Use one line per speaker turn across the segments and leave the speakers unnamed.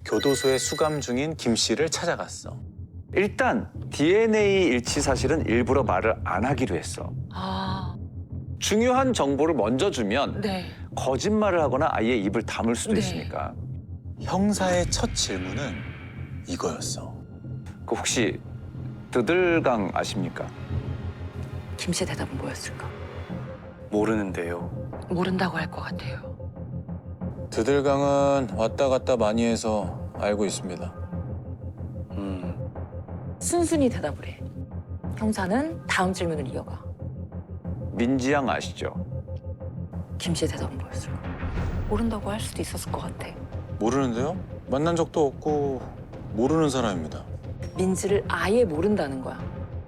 교도소에 수감 중인 김 씨를 찾아갔어.
일단 DNA 일치 사실은 일부러 말을 안 하기로 했어.
아,
중요한 정보를 먼저 주면
네.
거짓말을 하거나 아예 입을 다물 수도
네.
있으니까.
형사의 첫 질문은 이거였어.
그 혹시 드들강 아십니까?
김 씨의 대답은 뭐였을까?
모르는데요.
모른다고 할 것 같아요.
드들강은 왔다 갔다 많이 해서 알고 있습니다.
순순히 대답을 해. 형사는 다음 질문을 이어가.
민지양 아시죠?
김 씨의 대답은 뭐였을까? 모른다고 할 수도 있었을 것 같아.
모르는데요? 만난 적도 없고 모르는 사람입니다.
민지를 아예 모른다는 거야.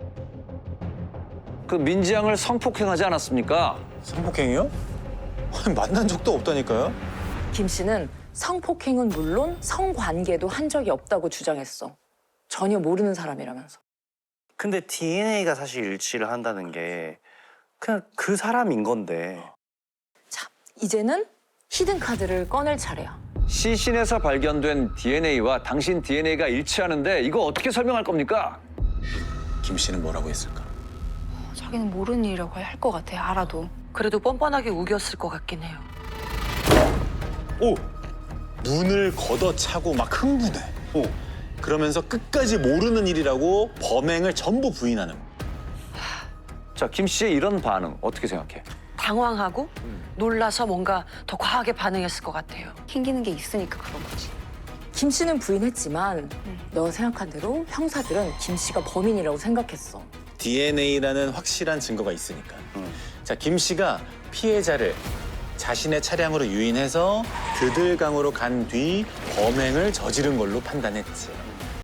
그 민지양을 성폭행하지 않았습니까?
성폭행이요? 아니, 만난 적도 없다니까요?
김 씨는 성폭행은 물론 성관계도 한 적이 없다고 주장했어. 전혀 모르는 사람이라면서.
근데 DNA가 사실 일치를 한다는 게 그냥 그 사람인 건데.
자, 이제는 히든 카드를 꺼낼 차례야.
시신에서 발견된 DNA와 당신 DNA가 일치하는데 이거 어떻게 설명할 겁니까?
김 씨는 뭐라고 했을까?
자기는 모르는 일이라고 할 것 같아, 알아도. 그래도 뻔뻔하게 우겼을 것 같긴 해요.
오! 눈을 걷어차고 막 흥분해. 오. 그러면서 끝까지 모르는 일이라고 범행을 전부 부인하는 거야.
자, 김 씨의 이런 반응 어떻게 생각해?
당황하고 놀라서 뭔가 더 과하게 반응했을 것 같아요.
캥기는 게 있으니까 그런 거지.
김 씨는 부인했지만 너 생각한 대로 형사들은 김 씨가 범인이라고 생각했어.
DNA라는 확실한 증거가 있으니까. 자, 김 씨가 피해자를 자신의 차량으로 유인해서 드들강으로 간 뒤 범행을 저지른 걸로 판단했지.